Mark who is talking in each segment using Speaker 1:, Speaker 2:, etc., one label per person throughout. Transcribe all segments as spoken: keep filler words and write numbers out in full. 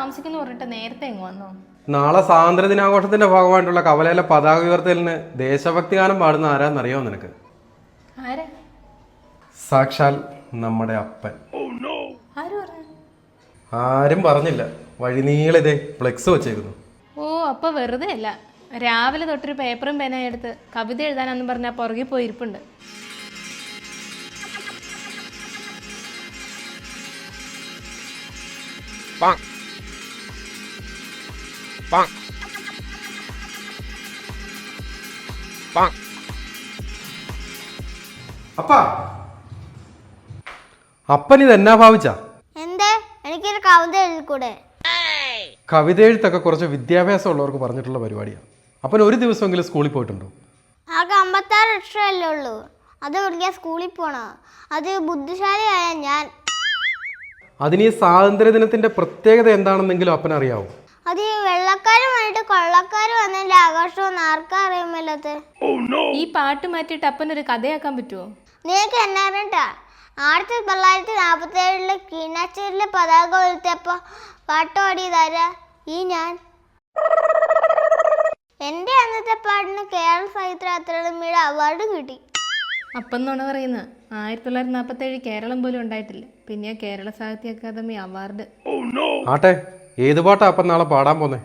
Speaker 1: താമസിക്കുന്നു പറഞ്ഞിട്ട് നേരത്തെ എങ്ങ് വന്നോ?
Speaker 2: നാളെ സ്വാതന്ത്ര്യ ദിനാഘോഷത്തിന്റെ ഭാഗമായിട്ടുള്ള കവലയിലെ പതാക ഉയർത്തലിന് ദേശഭക്തി ഗാനം പാടുന്ന ആരാന്നറിയോ നിനക്ക്?
Speaker 1: ആരാ?
Speaker 2: സാക്ഷാൽ നമ്മുടെ അപ്പൻ.
Speaker 1: ആര് പറഞ്ഞു?
Speaker 2: ആരും പറഞ്ഞില്ല, വഴിനീളെ ഇതേ ഫ്ലെക്സ് വെച്ചേക്കുന്നു.
Speaker 1: ഓ, അപ്പൊ വെറുതെ അല്ല, രാവിലെ തൊട്ടൊരു പേപ്പറും പേനയും എടുത്ത് കവിത എഴുതാനെന്ന് പറഞ്ഞാൽ പുറകെ പോയി ഇരിപ്പുണ്ട്.
Speaker 2: അപ്പാ, അപ്പൻ ഇത് എന്നാ ഭാവിച്ച?
Speaker 3: എന്തേ, എനിക്കൊരു കവിത എഴുതിക്കൂടെ?
Speaker 2: കവിത എഴുത്തൊക്കെ കുറച്ച് വിദ്യാഭ്യാസം ഉള്ളവർക്ക് പറഞ്ഞിട്ടുള്ള പരിപാടിയാണ്. അപ്പൻ ഒരു ദിവസമെങ്കിലും സ്കൂളിൽ പോയിട്ടുണ്ടോ?
Speaker 3: ആകെ അമ്പത്താറ് ലക്ഷമല്ലേ ഉള്ളൂ, അത് പഠിക്കാൻ സ്കൂളിൽ പോണോ? അത് ബുദ്ധിശാലിയായ ഞാൻ.
Speaker 2: അതിന് ഈ സ്വാതന്ത്ര്യ ദിനത്തിന്റെ പ്രത്യേകത എന്താണെന്നെങ്കിലും അപ്പൻ അറിയാവോ?
Speaker 3: അത് ഈ വെള്ളക്കാരും വന്നിട്ട് കൊള്ളക്കാര് വന്നതിന്റെ ആഘോഷവും ആർക്കാ അറിയുമല്ലാത്ത.
Speaker 1: ഈ പാട്ട് മാറ്റിയിട്ട് അപ്പനൊരു കഥയാക്കാൻ പറ്റുമോ?
Speaker 3: നിനക്ക് എന്നാ അറിയട്ടാ? ആയിരത്തി തൊള്ളായിരത്തി നാപ്പത്തി ഏഴില് കീനാച്ചേരിലെ പതാക ഉയർത്തിയപ്പോ പാട്ട് പാടിയതാരാ? ഈ ഞാൻ. എന്റെ അന്നത്തെ പാട്ടിന് കേരള സാഹിത്യ അക്കാദമിയുടെ അവാർഡ് കിട്ടി.
Speaker 1: അപ്പം നുണ പറയുന്ന, ആയിരത്തി തൊള്ളായിരത്തി നാൽപ്പത്തി ഏഴ് കേരളം പോലും ഉണ്ടായിട്ടില്ല, പിന്നെ കേരള സാഹിത്യ അക്കാദമി അവാർഡ്.
Speaker 2: ആട്ടെ, ഏത് പാട്ടാ അപ്പം നാളെ പാടാൻ പോന്നെ?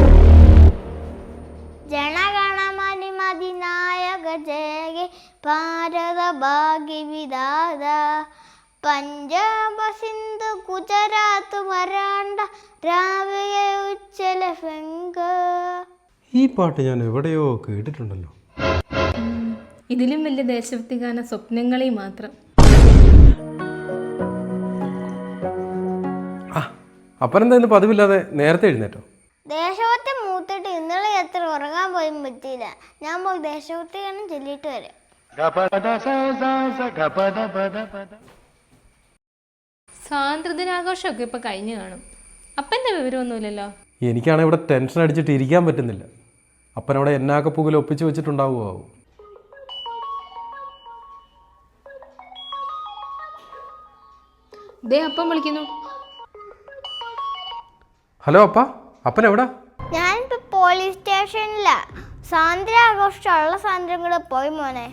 Speaker 3: ജനഗണമനിമതിനായക ജയ ഭാരത ഭാഗ്യ വിധാത പഞ്ചാബ സിന്ധു ഗുജറാത്ത് മറാണ്ട രാവിയ ഉച്ചല ഫെങ്ക.
Speaker 2: ഈ പാട്ട് ഞാൻ എവിടെയോ കേട്ടിട്ടുണ്ടല്ലോ.
Speaker 1: ഇതിലും വലിയ ദേശഭക്തി ഗാന സ്വപ്നങ്ങളെ മാത്രം.
Speaker 2: അപ്പനെന്താ ഇന്ന് പതിവില്ലാതെ നേരത്തെ എഴുന്നേറ്റോ?
Speaker 3: ദേശഭക്തി മൂത്തിട്ട് ഇന്നലെ എത്ര ഉറങ്ങാൻ പോയും പറ്റിയില്ല. ഞാൻ പോയി ദേശഭക്തി ഗാനം ചൊല്ലിയിട്ട് വരാം.
Speaker 1: സ്വാതന്ത്ര്യദിനാഘോഷമൊക്കെ ഇപ്പൊ കഴിഞ്ഞു കാണും. അപ്പന്റെ വിവരമൊന്നുമില്ലല്ലോ.
Speaker 2: എനിക്കാണ് ഇവിടെ ടെൻഷൻ അടിച്ചിട്ട് ഇരിക്കാൻ പറ്റുന്നില്ല. അപ്പനവിടെ എന്നാക്ക പുകയിൽ ഒപ്പിച്ച് വെച്ചിട്ടുണ്ടാവുമോ?
Speaker 1: ദേ അപ്പം വിളിക്കുന്നു.
Speaker 2: ഹലോ അപ്പ, അപ്പൻ എവിടാ?
Speaker 3: ഞാനിപ്പോ പോലീസ് സ്റ്റേഷനിലാ. സ്വാതന്ത്ര്യ ആഘോഷമുള്ള സ്വാതന്ത്ര്യം കൂടെ പോയി മോനെ.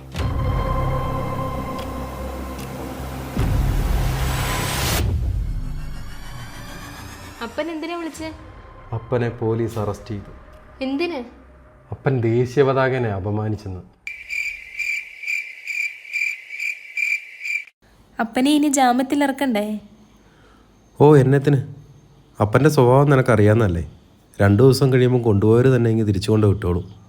Speaker 1: അപ്പൻ എന്തിനാ വിളിച്ചേ?
Speaker 2: അപ്പനെ പോലീസ് അറസ്റ്റ് ചെയ്തു.
Speaker 1: എന്തിന്?
Speaker 2: അപ്പൻ ദേശീയ പതാകനെ അപമാനിച്ചെന്ന്.
Speaker 1: അപ്പനെ ഇനി ജാമ്യത്തിൽ ഇറക്കണ്ടേ?
Speaker 2: ഓ, എന്നത്തിന്? അപ്പൻ്റെ സ്വഭാവം നിനക്കറിയാമെന്നല്ലേ. രണ്ടു ദിവസം കഴിയുമ്പോൾ കൊണ്ടുപോയവർ തന്നെ ഇങ്ങ് തിരിച്ചു കൊണ്ട് വിട്ടോളും.